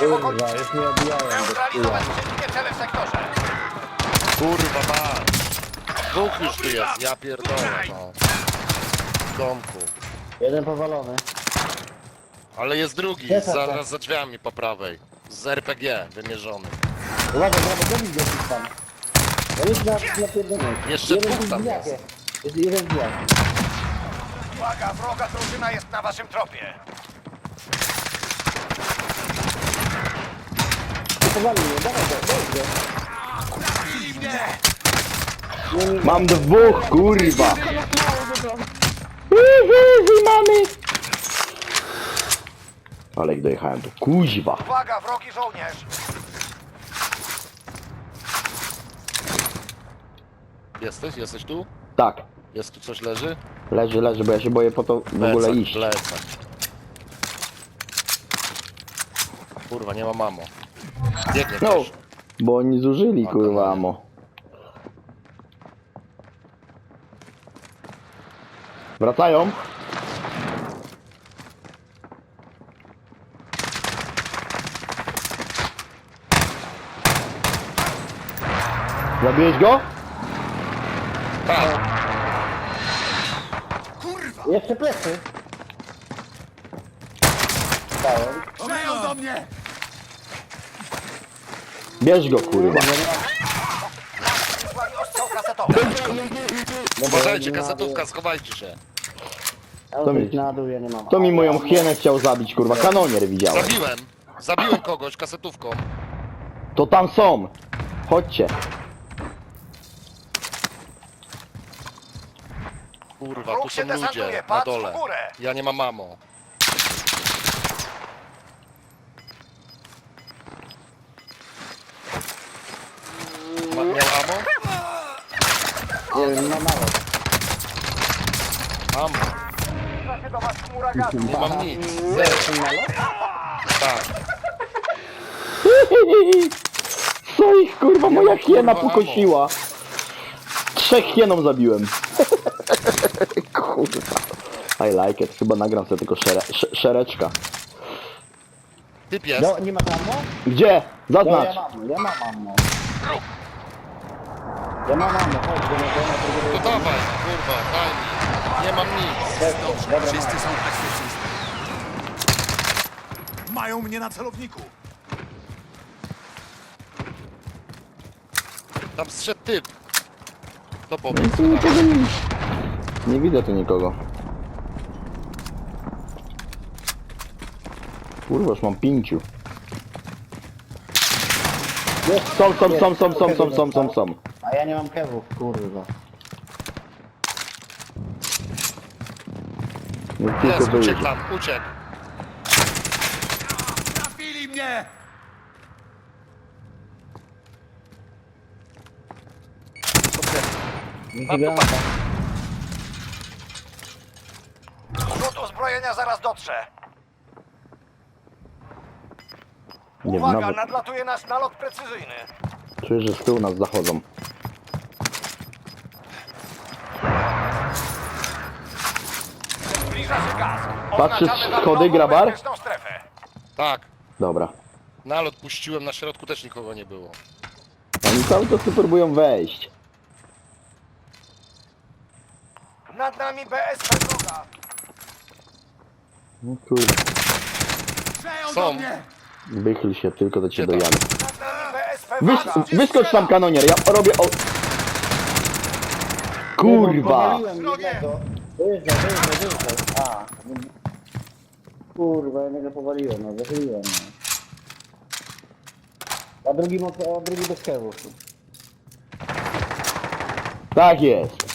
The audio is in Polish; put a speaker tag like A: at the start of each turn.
A: się w okolicy.
B: Kurwa, już mnie odbijałem do
A: Neutralizować
B: tyłu.
A: wszystkie cele w sektorze.
C: Kurwa ma. Dwóch już tu jest, ja pierdolę no. W domku.
B: Jeden powalony.
C: Ale jest drugi,
B: Jest
C: zaraz za drzwiami po prawej. Z RPG wymierzony.
B: Uwaga, brawo, zabij go gdzieś tam. To jest na pierdolę.
C: Jeszcze
B: Jeden
C: dwóch tam
B: zbijak
C: jest.
B: Jest jeden zbijak.
A: Uwaga, wroga drużyna jest na waszym tropie.
B: Powalił mnie, dawaj go, daj go.
A: Trafili mnie!
D: Mam dwóch, kurwa! Mamy! Ale jak dojechałem, to kuźwa!
A: Uwaga, wrogi żołnierz!
C: Jesteś tu?
D: Tak,
C: Jest tu coś leży?
D: leży, bo ja się boję po to w ogóle
C: Lecę,
D: iść.
C: lecę. Kurwa, nie ma mamo. Biegnie
D: No,
C: też.
D: bo oni zużyli,
C: A,
D: kurwa,
C: to
D: amo. Wracają? Zabiłeś go?
C: Tak,
B: Jeszcze plecy. Dałem.
A: Strzelają do mnie!
D: Bierz go, kurwa.
A: Wysłali ostrzał kasetowy.
C: uważajcie, kasetówka, schowajcie się.
B: To mi na dół, ja nie mam.
D: To mi moją hienę chciał zabić, kurwa. Kanonier widziałem.
C: Zabiłem kogoś kasetówką.
D: To tam są. Chodźcie.
C: Kurwa,
A: Wróg
C: tu
A: się
C: są ludzie,
A: desantuje,
C: na
A: patrz
C: dole.
A: w górę.
C: Ja nie mam mamo. Miał amo?
B: Nie wiem, na mało.
C: Mam.
A: Zbliża się do was chmura gazu.
C: Nie mam nic. Zero. Tak.
D: Co ich, kurwa, moja hiena
C: kurwa,
D: pokosiła. 3 hieną zabiłem. Kurwa. I like it. Chyba nagram sobie tylko szereczka.
C: Typ jest.
B: No, nie ma tam, no?
D: Gdzie?
B: No,
D: Zaznacz.
B: ja mam ammo. Ja mam ammo, chodź, do mnie,
C: To dawaj, kurwa, daj mi. Nie mam nic.
B: Dobra,
A: Wszyscy są bezpieczni. Mają mnie na celowniku.
C: Tam zszedł typ. To powiedz.
D: Tu nikogo nie... Nie widzę tu nikogo. Kurwa, już mam 5. Są.
B: A ja nie mam kewów, kurwa.
D: Nie tylko
C: Jest,
D: wyjdzie.
C: uciekł tam, uciekł.
A: Trafili mnie!
B: Granata.
A: Rzut uzbrojenia zaraz dotrze.
D: Nie wiem,
A: Uwaga,
D: nawet
A: nadlatuje nasz nalot precyzyjny.
D: czuję, że z tyłu nas zachodzą.
A: Zbliża się gaz.
D: Patrzysz,
A: Oznaczamy
D: schody,
A: wrogą
D: grabar?
A: bezpieczną strefę.
C: Tak.
D: Dobra.
C: Nalot puściłem, na środku też nikogo nie było.
D: Oni cały czas tu próbują wejść.
A: Nad nami BSP wroga.
D: No kurwa.
A: Strzelają
C: Są.
A: do mnie!
D: Wychyl się, tylko do ciebie
C: Gdzie tam?
D: dojadę.
A: Nad nami BSP wroga.
D: Wyskocz tam, kanonier, ja robię o... Kurwa!
B: Powaliłem jednego. Wyjeżdżaj. A. Kurwa, jednego powaliłem, no, wychyliłem. No. A drugi bez kewów.
D: Tak jest.